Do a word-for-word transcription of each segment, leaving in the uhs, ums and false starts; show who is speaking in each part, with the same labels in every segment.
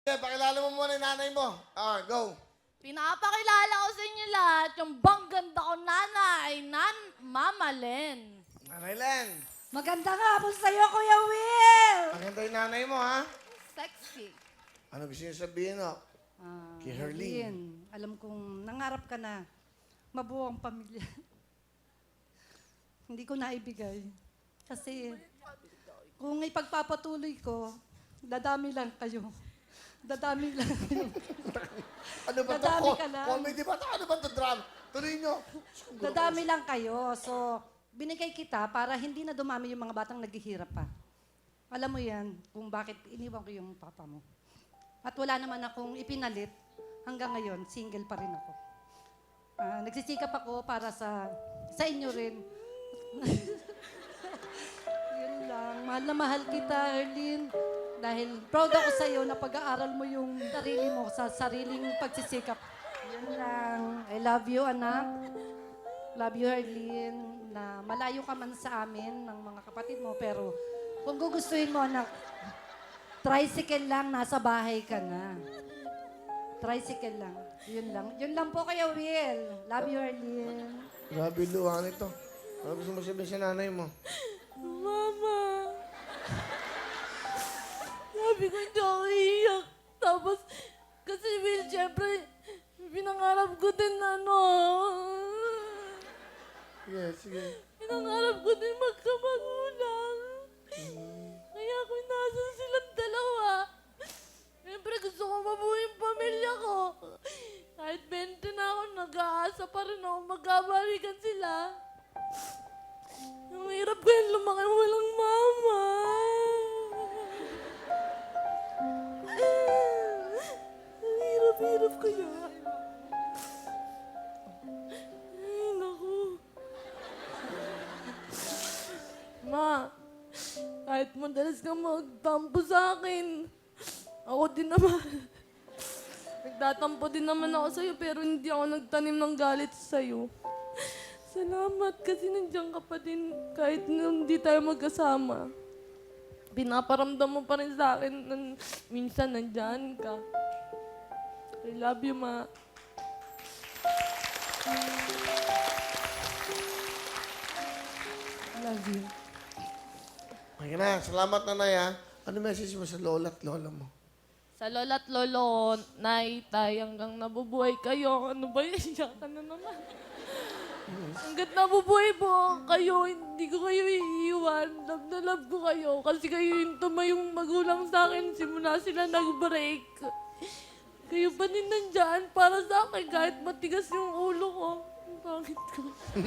Speaker 1: Okay, pakilala mo muna yung nanay mo. Ah, go.
Speaker 2: Pinapakilala ko sa inyo lahat yung bang ganda ko nanay, nan Mama Len.
Speaker 1: Nanay Len.
Speaker 3: Maganda nga po sa'yo, Kuya Will!
Speaker 1: Maganda yung nanay mo, ha?
Speaker 2: Sexy.
Speaker 1: Ano gusto niyo sabihin, no?
Speaker 3: Ah,
Speaker 1: Kay Herlene.
Speaker 3: Herlene, alam kong nangarap ka na mabuo ang pamilya. Hindi ko naibigay. Kasi kung ipagpapatuloy ko, dadami lang kayo. Dadami lang kayo.
Speaker 1: Ano ba ito?
Speaker 3: Dadami
Speaker 1: Co-
Speaker 3: ka lang.
Speaker 1: Comedy ba ito? Ano ba ito? Drama? Tuloy nyo.
Speaker 3: Dadami lang kayo. So, binigay kita para hindi na dumami yung mga batang naghihirap pa. Alam mo yan kung bakit iniwan ko yung papa mo. At wala naman akong ipinalit. Hanggang ngayon, single pa rin ako. Ah, nagsisikap ako para sa sa inyo rin. Yun lang. Mahal na mahal kita, Erlyn. Dahil proud ako sa iyo na pag-aaral mo yung sarili mo sa sariling pagsisikap. Yun lang. I love you, anak. Love you, Erlyn. Na malayo ka man sa amin ng mga kapatid mo, pero kung gugustuhin mo, anak, tricycle lang, nasa bahay ka na. Tricycle lang. Yun lang. Yun lang po kayo, Will. Love you, Erlyn.
Speaker 1: Grabe luha nito. Ano gusto mo sabihin sa nanay mo?
Speaker 2: Mama. Sabi ko hindi ako iiyak. Tapos, kasi Will, syempre, pinangarap ko din ano.
Speaker 1: Sige, sige.
Speaker 2: Pinangarap ko din magkamagulang. Kaya ako nasa silang dalawa. Siyempre gusto ko mabuhay yung pamilya ko. Kahit bente na ako, nag-aasa pa rin ako magkabalikan sila. Ang hirap ko yung lumaki walang mama. Ang hirap-hirap ko yun. Ay, naku. Ma, kahit madalas ka magtampo sa akin, ako din naman. Nagtatampo din naman ako sa'yo, pero hindi ako nagtanim ng galit sa'yo. Salamat kasi nandiyan ka pa din kahit nung hindi tayo magkasama. Pinaparamdam mo pa rin sa akin na minsan nandiyan ka. I love you, Ma.
Speaker 3: Love you.
Speaker 1: Okay na, salamat nanay, ha? Ano message mo sa lola at lola mo?
Speaker 2: Sa lola at lolo, nay, tay, hanggang nabubuhay kayo. Ano ba yun? Iyakan na naman. Hanggat nabubuhay po kayo, hindi ko kayo iiwan. Love na love ko kayo. Kasi kayo yung tumayong magulang sa akin. Simula sila nag-break. Kayo pa din nandyan para sa akin kahit matigas yung ulo ko. Ang pangit ko.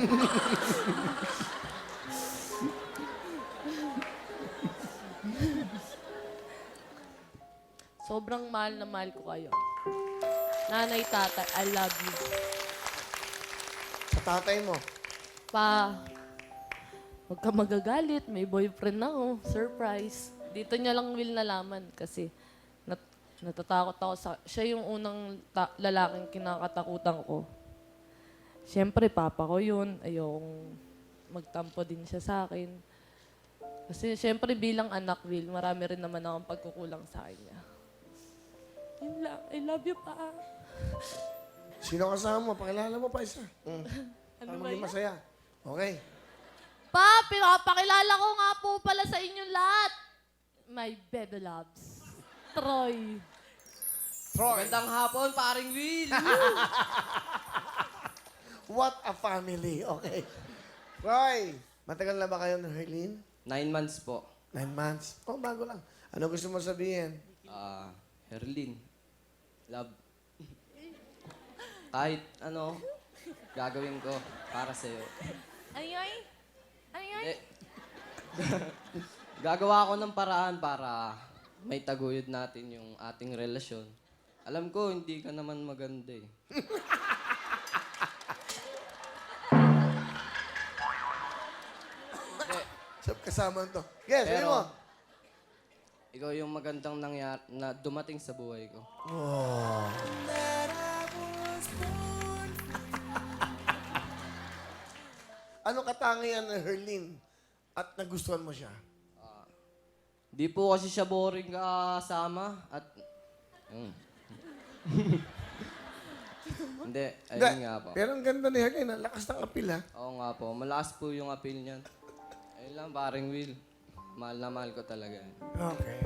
Speaker 2: Sobrang mahal na mahal ko kayo. Nanay, tatay, I love you.
Speaker 1: Sa tatay mo?
Speaker 2: Pa, huwag ka magagalit. May boyfriend ako. Surprise. Dito niya lang will nalaman kasi nat natatakot ako sa... Siya yung unang ta- lalaking kinakatakutan ko. Siyempre, papa ko yun. Ayokong magtampo din siya sa akin. Kasi siyempre bilang anak, Will, marami rin naman akong pagkukulang sa kanya. Yun lang. I love you, pa.
Speaker 1: Sino kasama mo? Pakilala mo pa isa. Mm.
Speaker 2: Ano
Speaker 1: Para
Speaker 2: ba
Speaker 1: maging
Speaker 2: yan?
Speaker 1: masaya. Okay.
Speaker 2: Pa, pinapakilala ko nga po pala sa inyong lahat. My baby loves. Troy.
Speaker 1: Troy,
Speaker 4: Magandang hapon, paring Will.
Speaker 1: what a family. Okay. Troy, matagal na ba kayo ng Herlene?
Speaker 4: Nine months po.
Speaker 1: Nine months. Oh, bago lang. Ano gusto mo sabihin?
Speaker 4: Ah, Herlin. Love. Kahit ano, gagawin ko para sa'yo.
Speaker 2: Ay, ay. Ay, ay.
Speaker 4: Eh, gagawa ako ng paraan para may taguyod natin yung ating relasyon. Alam ko, hindi ka naman maganda eh. Eh,
Speaker 1: Sab kasama to. Yes,
Speaker 4: Pero-
Speaker 1: ano mo?
Speaker 4: ikaw yung magandang nangyari na dumating sa buhay ko.
Speaker 1: Oh. Ano katangian ng Herlene at nagustuhan mo siya?
Speaker 4: Di po kasi siya boring kasama at Mm. Hindi, ayun
Speaker 1: Hindi,
Speaker 4: nga po.
Speaker 1: pero ang ganda ni Herlin, ang lakas ng apil ha.
Speaker 4: Oo nga po, malakas po yung appeal niyan. Ayun lang, paring Will. Mahal na mahal ko talaga.
Speaker 1: Okay.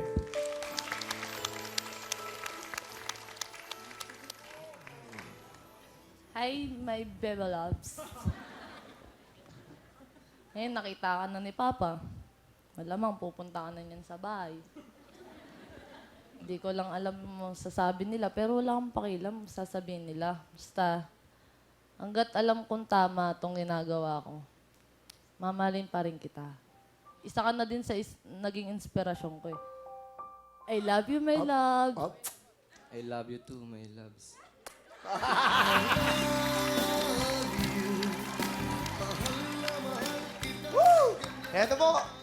Speaker 2: Hi, my baby loves. Ngayon, nakita ka na ni Papa. Malamang pupunta ka na niyan sa bahay. Hindi ko lang alam mo sasabi nila, pero wala akong pakialam sasabihin nila. Basta, hanggat alam kong tama itong ginagawa ko, mamahalin pa rin kita. Isa ka na din sa is- naging inspirasyon ko eh. I love you, my love.
Speaker 1: Up.
Speaker 4: I love you too, my loves.
Speaker 1: Eto po,